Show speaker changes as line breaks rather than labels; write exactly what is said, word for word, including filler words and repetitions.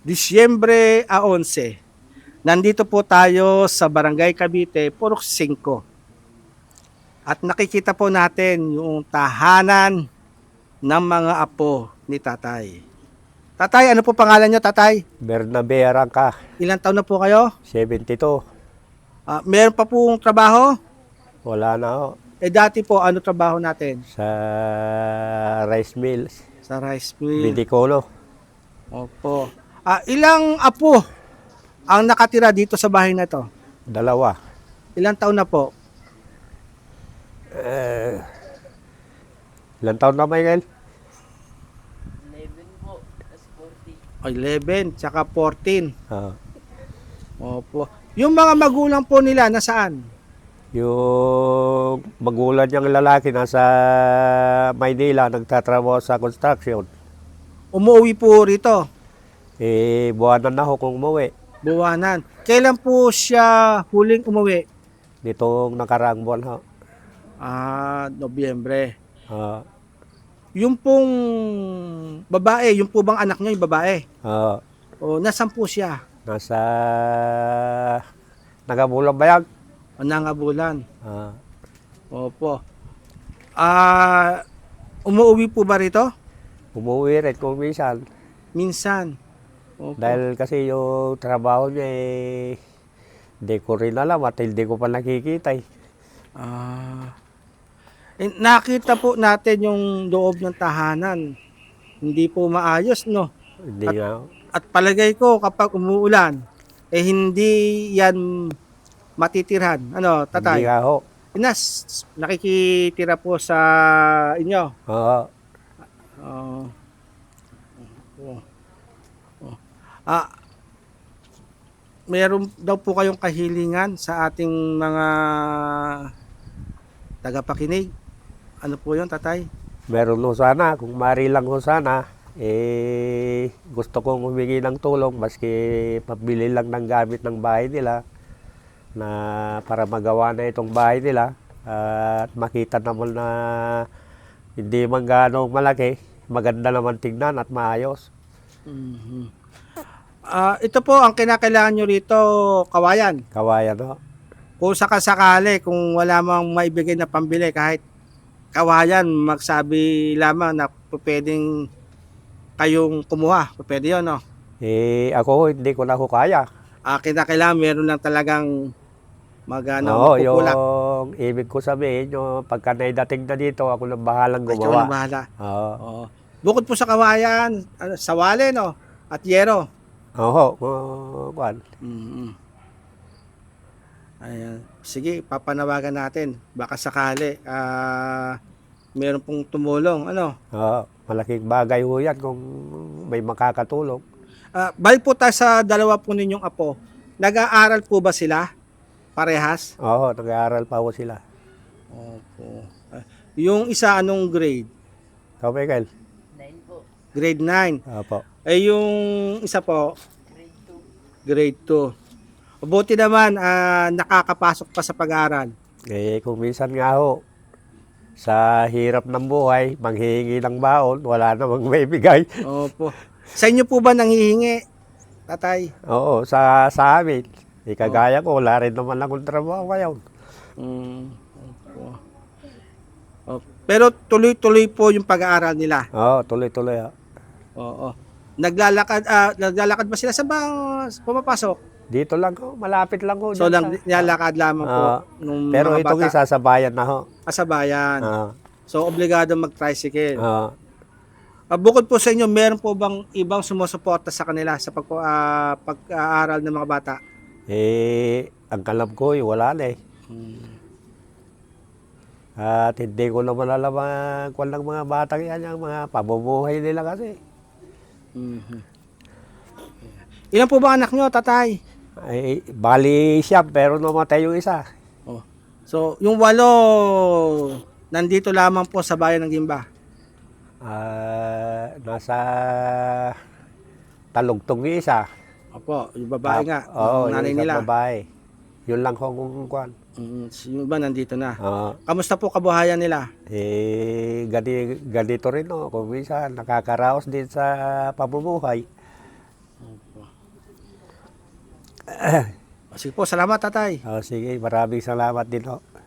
Disyembre eleven. Nandito po tayo sa Barangay Cavite, Purok five. At nakikita po natin yung tahanan ng mga apo ni Tatay. Tatay, ano po pangalan nyo, Tatay?
Bernabe Arangka,
Ilang taon na po kayo?
seventy-two.
Ah, meron pa pong trabaho?
Wala na ako.
Eh dati po, ano trabaho natin?
Sa rice mills,
Sa rice mill.
Bidicolo.
Opo. Ah, ilang apo ang nakatira dito sa bahay na to?
Dalawa.
Ilang taon na po?
Eh, ilang taon na, Michael?
eleven, tsaka fourteen.
Ah,
Opo. Yung mga magulang po nila, nasaan?
yung magulang niyang lalaki nasa Maynila, nagtatrabaho sa construction.
Umuwi po rito,
Eh, buwanan na ako kung umuwi.
buwanan. Kailan po siya huling umuwi?
Nitong nakaraang buwan ho.
Ah, Nobyembre.
Ah,
Yung pong babae, yung po bang anak niya, yung babae?
ah,
O, nasan po siya?
nasa Nagabulang Bayag.
O, nangabulan.
Ah,
Opo. Ah, umuwi po ba rito?
umuwi rin kung minsan.
Minsan. Opo.
Dahil kasi yung trabaho niya eh, hindi ko rin alam at hindi ko pa nakikita eh.
Ah, eh, nakita po natin yung loob ng tahanan. Hindi po maayos, no?
Hindi
At,
nga.
at palagay ko kapag umuulan, eh hindi yan matitirhan. Ano,
Hindi
Tatay?
nga ho.
Inas, nakikitira po sa inyo.
Oo.
Oh. Oh. Oh. Ah, meron daw po kayong kahilingan sa ating mga tagapakinig. Ano po 'yon, Tatay?
Meron ho sana, kung mari lang ho sana, eh, gusto kong humingi ng tulong maski pabili lang ng gamit ng bahay nila na para magawa na itong bahay nila at makita naman na hindi man gaano malaki, maganda naman tignan at maayos.
Mhm. Ah, ito po ang kinakailangan nyo rito, kawayan.
Kawayan ho.
Kung sakasakali, kung wala mang maibigay na pambili, kahit kawayan, magsabi lamang na pwedeng kayong kumuha. Pwede yun, no?
Eh, ako ho, hindi ko na ho kaya.
Ah, kinakailangan, meron lang talagang mag, ano,
Oo,
magkukulak.
yung ibig ko sabihin, yung pagka naidating na dito, ako na bahalang
Ay, ikaw
gumawa.
na bahala.
Oo.
Oo. Bukod po sa kawayan, ano, sawali, no? At yero.
Oo, uh, kuwan.
Mhm. Ayan. Sige, papanawagan natin. Baka sakali, ah, meron pong tumulong. Ano?
Oo, malaking bagay ho yan kung may makakatulong.
Ah, balik po tayo sa dalawa po ninyong apo. Nag-aaral po ba sila? Parehas?
Oo, nag-aaral pa ho sila.
Opo. Ah, yung isa anong grade?
Ikaw, Michael?
Grade nine.
Opo.
Eh yung isa po? Grade two. Mabuti naman, ah, nakakapasok pa sa pag-aaral.
Eh, kung minsan nga ho, sa hirap ng buhay, manghihingi ng baon, wala namang may bigay.
Opo. Sa inyo po ba nanghihingi, Tatay?
Oo, sa, sa amin. Eh, kagaya ko, wala rin naman akong trabaho ngayon.
Mm, opo. Opo. Pero tuloy-tuloy po yung pag-aaral nila.
Oo, tuloy-tuloy ho.
Oo. Naglalakad ah, naglalakad ba sila sa ba pumapasok?
Dito lang ho, malapit lang ho.
So
dyan
lang
sa-
nilalakad lamang po
Oo.
nung
Pero
mga
itong
bata
isa sa bayan na ho.
sa bayan.
Oo.
So obligado mag-tricycle.
Oo.
Ah, bukod po sa inyo, meron po bang ibang sumusuporta sa kanila sa pag ah, pag-aaral ng mga bata?
Eh, ang alam ko, eh, wala na eh. At hindi ko naman alam ang kwan ng mga batang yan, yung mga pamumuhay nila kasi.
Mhm. Ilan po ba anak nyo, Tatay?
Ay, bali siya, pero namatay yung isa.
Oh. So, yung walo, nandito lamang po sa bayan ng Gimba.
Ah, nasa Talugtong yung isa.
Opo, yung babae
Tap-
nga,
Oo,
yung nanay
yung isang
nila.
babae. Yun lang kung kwan.
Mm, yung iba nandito na.
Oo.
Kamusta po kabuhayan nila?
Eh, gani, ganito rin, no? Kung minsan, nakakaraos din sa pamumuhay.
Opo. O, sige po, salamat tatay.
Oh, sige, maraming salamat din ho.